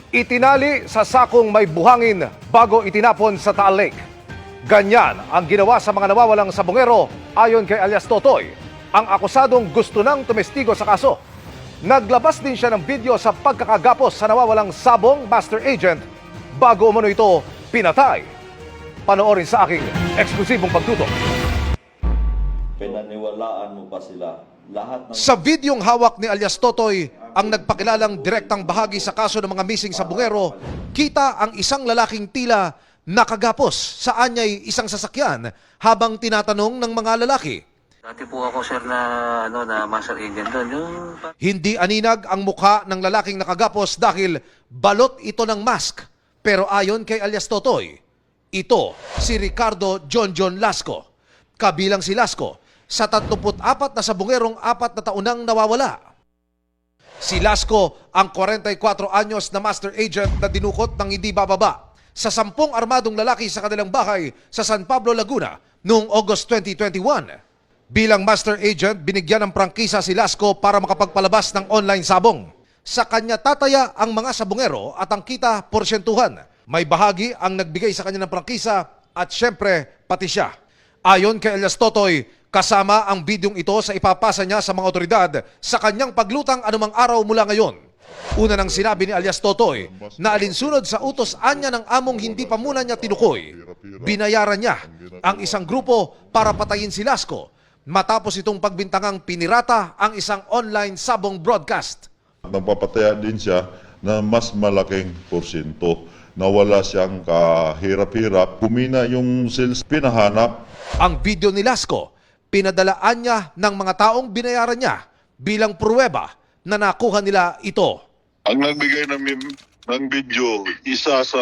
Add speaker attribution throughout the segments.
Speaker 1: Itinali sa sakong may buhangin bago itinapon sa Taal Lake. Ganyan ang ginawa sa mga nawawalang sabongero ayon kay alias Totoy, ang akusadong gusto nang tumestigo sa kaso. Naglabas din siya ng video sa pagkakagapos sa nawawalang sabong master agent bago umano ito pinatay. Panoorin sa aking eksklusibong pagtutok.
Speaker 2: Pinaniwalaan mo pa sila. Lahat ng...
Speaker 1: Sa videong hawak ni alias Totoy, ang nagpakilalang direktang bahagi sa kaso ng mga missing sabongero, kita ang isang lalaking tila nakagapos sa anyay isang sasakyan habang tinatanong ng mga lalaki.
Speaker 3: Dati po ako sir na master agent doon.
Speaker 1: Hindi aninag ang mukha ng lalaking nakagapos dahil balot ito ng mask. Pero ayon kay alias Totoy, ito si Ricardo John Lasco. Kabilang si Lasco sa 34 na sabongerong 4 na taon nang nawawala. Si Lasco ang 44 anyos na master agent na dinukot ng hindi bababa sa 10 armadong lalaki sa kanilang bahay sa San Pablo, Laguna noong August 2021. Bilang master agent, binigyan ng prangkisa si Lasco para makapagpalabas ng online sabong. Sa kanya tataya ang mga sabongero at ang kita porsyentuhan. May bahagi ang nagbigay sa kanya ng prangkisa at syempre pati siya. Ayon kay alias Totoy, kasama ang bidyong ito sa ipapasa niya sa mga otoridad sa kanyang paglutang anumang araw mula ngayon. Una nang sinabi ni alias Totoy na alinsunod sa utos anya ng among hindi pa muna niya tinukoy, binayaran niya ang isang grupo para patayin si Lasco matapos itong pagbintangang pinirata ang isang online sabong broadcast.
Speaker 4: Nagpapataya din siya na mas malaking porsyento na wala siyang kahirap-hirap. Kumina yung sales pinahanap.
Speaker 1: Ang video ni Lasco, pinadalaan niya ng mga taong binayaran niya bilang pruweba na nakuha nila ito.
Speaker 4: Ang nagbigay ng video, isa sa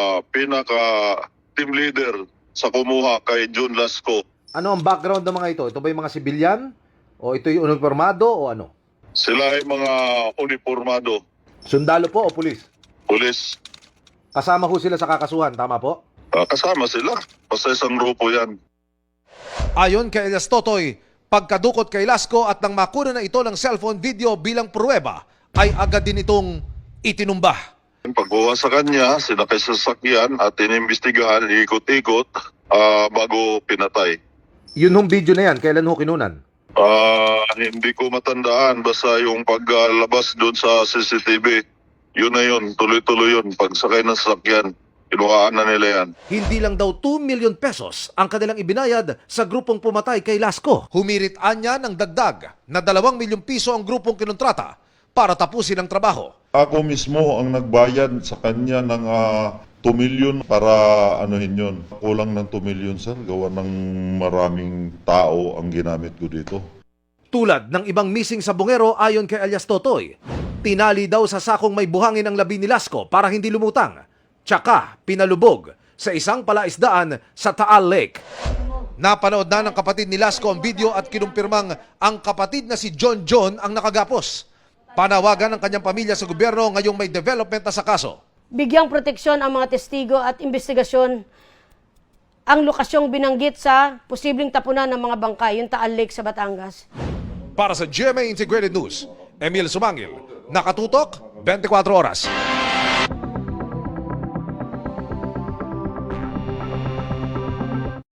Speaker 4: pinaka-team leader sa kumuha kay John Lasco.
Speaker 1: Ano ang background ng mga ito? Ito ba yung mga sibilyan? O ito yung uniformado o ano?
Speaker 4: Sila ay mga uniformado,
Speaker 1: Sundalo po o pulis?
Speaker 4: pulis.
Speaker 1: Kasama ho sila sa kakasuhan, tama po?
Speaker 4: Kasama sila. Basta isang grupo yan.
Speaker 1: Ayon kay alias Totoy, pagkadukot kay Lasco at nang makuna na ito ng cellphone video bilang pruweba, ay agad din itong itinumba.
Speaker 4: Pagkuha sa kanya, sinakay sa sasakyan at inimbestigahan, ikot-ikot bago pinatay.
Speaker 1: Yun hong video na yan, kailan ho kinunan?
Speaker 4: Hindi ko matandaan, basta yung paglabas doon sa CCTV, yun na yun, tuloy-tuloy yun. Pagsakay ng sasakyan, kinuhaan na nila yan.
Speaker 1: Hindi lang daw 2 million pesos ang kanilang ibinayad sa grupong pumatay kay Lasco. Humirit anya ng dagdag na 2 milyong piso ang grupong kinontrata para tapusin ang trabaho.
Speaker 4: Ako mismo ang nagbayad sa kanya ng 2 million para anuhin yun. Kulang ng 2 million, sir. Gawa ng maraming tao ang ginamit ko dito.
Speaker 1: Tulad ng ibang missing sabongero ayon kay alias Totoy, tinali daw sa sakong may buhangin ang labi ni Lasco para hindi lumutang. Tsaka pinalubog sa isang palaisdaan sa Taal Lake. Napanood na ng kapatid ni Lasco ang video at kinumpirmang ang kapatid na si John ang nakagapos. Panawagan ng kanyang pamilya sa gobyerno ngayong may development na sa kaso.
Speaker 5: Bigyang proteksyon ang mga testigo at investigasyon ang lokasyong binanggit sa posibleng tapunan ng mga bangkay, yung Taal Lake sa Batangas.
Speaker 1: Para sa GMA Integrated News, Emil Sumangil, nakatutok 24 oras.